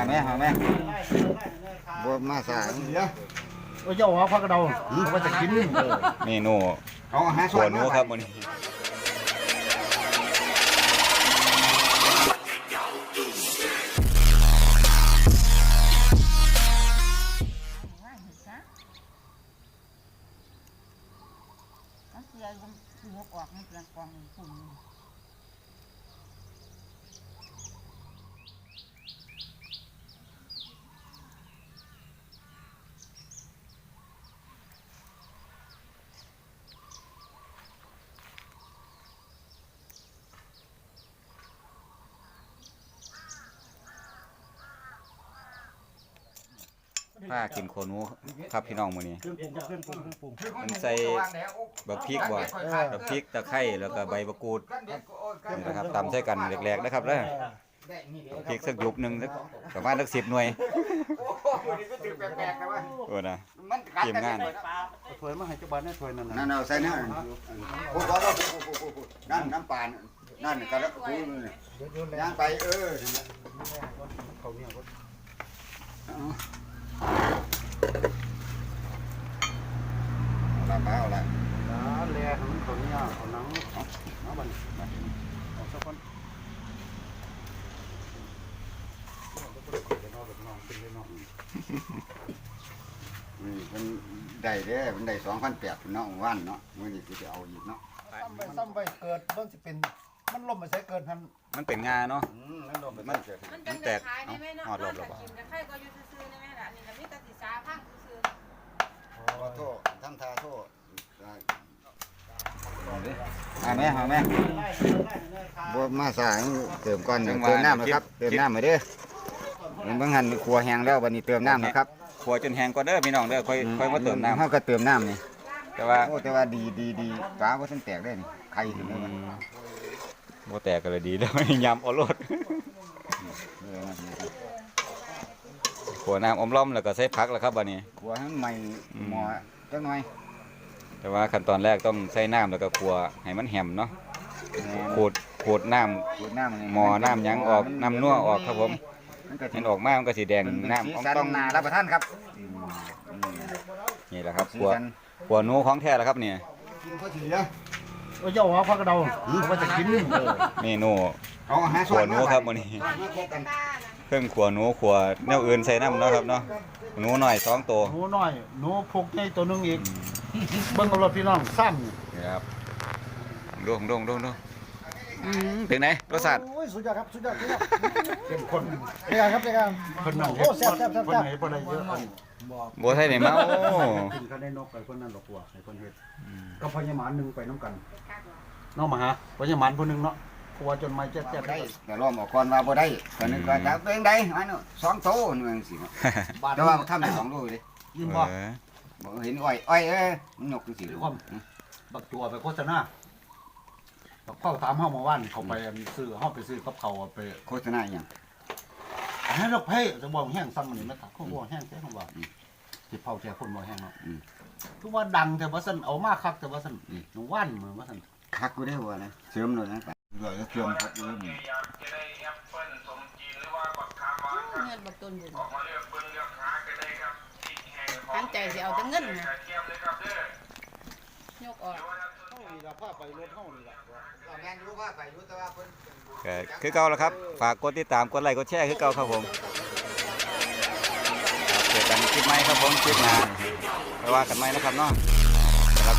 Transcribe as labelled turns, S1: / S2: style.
S1: แม่บัวมาสาย
S2: เจ้าหัวพักกระเดาเขาจะกิน
S3: เมนูหัวหนูครับมื้อนี้ผ้ากินโคนูครับพี่น้องมื้อนี้มันใส่บักพริกบ่บักพริกตะไคร้แล้วก็ใบมะกรูดนี่นะครับตำใส่กันแหลกๆนะครับเด้อพริกสักยุบนึงสักประมาณสัก10หน่วยโอ้นะเตรียมงาน
S2: ถ้วยมาให้เจ้าบ้านได้ถ้วยนั่น
S1: นั่นเอาใส่นั่นโอ้โหนั่นน้ำปานนั่นกะละคูย่างไปเขาเนี่ยเอาละ
S2: แล่มันเขาเนี่ยเขาหนังเอาบันเอาสักคน
S1: มันได้เด้มันได้2,800เนาะวันเนาะมื้อนี้สิไปเอาอีกเนาะ
S2: ซ้ำไปเกิดมันสิเป็นมันล่มไปใส่เกิด
S3: มันเป็นงาเนาะ
S1: มันล่มไปเกิด
S3: มันแตกหอดลมแล้วบ่
S1: โทษทำทาโทษแม่บัวมาสายเติมก่อนเติมน้ำนะครับเติมน้ำมาเด้อมันบางหันครัวแห้งแล้ววันนี้เติมน้ำนะครับ
S3: ขัวจนแห้งก่อนเด้อพี่น้องเด้อค่อยมาเติมน้ำ
S1: เขาก็เติมน้ำนี่
S3: แต่ว่า
S1: ดีฟ้าว่าท่านแตกได้นี่ไข่ถึงได้
S3: บ่แตกก็เลยดีแล้วยำเอารสขัวน้ำอมล้อมแล้วก็ใส่ผักแล้วครับบัดนี้
S1: ขัวให้ใหม่หม้อจังหน่อย
S3: แต่ว่าขั้นตอนแรกต้องใส่น้ำแล้วก็ขัวให้มันแหมเนาะขูดน้ำหม้อน้ำยังออกน้ำนัวออกครับผมเห็นออกมามันก็สีแดงน้ำ
S1: ต้องนารับประทานครับ
S3: นี่แหละครับขัวหนูของแท้แล้วครับเนี่ย
S2: เจ้าหัวพักกระเดาเขาจะกิน
S3: เมนูขัวหนูครับมื้อนี้เครื่องขัวหนูขัวแนวอื่นใส่น้ำเนาะครับเนาะหนูหน่อย2ตัว
S2: หนูน้อยหนูพุกใหญ่ตัวนึงอีกเบิ่งเอารถพี่น้องซ้ำ
S3: นี่ครับดูถึงไหนรสชาติ
S2: สุดยอดครับสุดยอดเข้มข้นเป็นไงครับคนนั่งโอ้แซ่บคนไหนคนใดเยอะ
S3: บัวไทยไหนมาโอ้
S2: กินเขาได้นกไปคนนั้นหรอกว่าให้คนเฮ็ดก็พญามารนึงไปน้ำกันน้องมาหาพญามารผู้นึงเนาะผัวจนไม่แจ๊บ
S1: ได้แต่ล้อมออกก่อนว่าบ่ได้คนนึงก็จะเป็นได้อันนู้น2โตนึงสิแต่ว่าทำได้2โลเลย
S2: ยิ้มบ่
S1: เห็นอ้อยมันนกจังซี่
S2: บักตัวไปโฆษณาเข้าตามห้องมาว่านเขาไปซื้อห้องไปซื้อกับเขาไป
S1: โฆษณาอย่าง
S2: ให้เราเพ่จะบอกแห้งซ้ำมันนี่ไม่ตัดเขาบอกแห้งแค่เขาบอกที่เผาแค่คนบอกแห้งเนาะทุกว่าดังแต่ว่าสันเอามากคักแต่ว่าสันหนูว่านเหมือนว่าสัน
S1: คักกูได้หัวนะเชื่อมเลยนะด้วยเชื่อมครับ
S4: เงินบักต้นบุญตั้งใจจะเอาแต่เงินนะยกออก
S3: คือเก่าแล้วครับฝากกดติดตามกดไลค์กดแชร์คือเก่าครับผมเจอกันคลิปใหม่ครับผมคลิปหน้าไปว่ากันใหม่นะครับเนาะ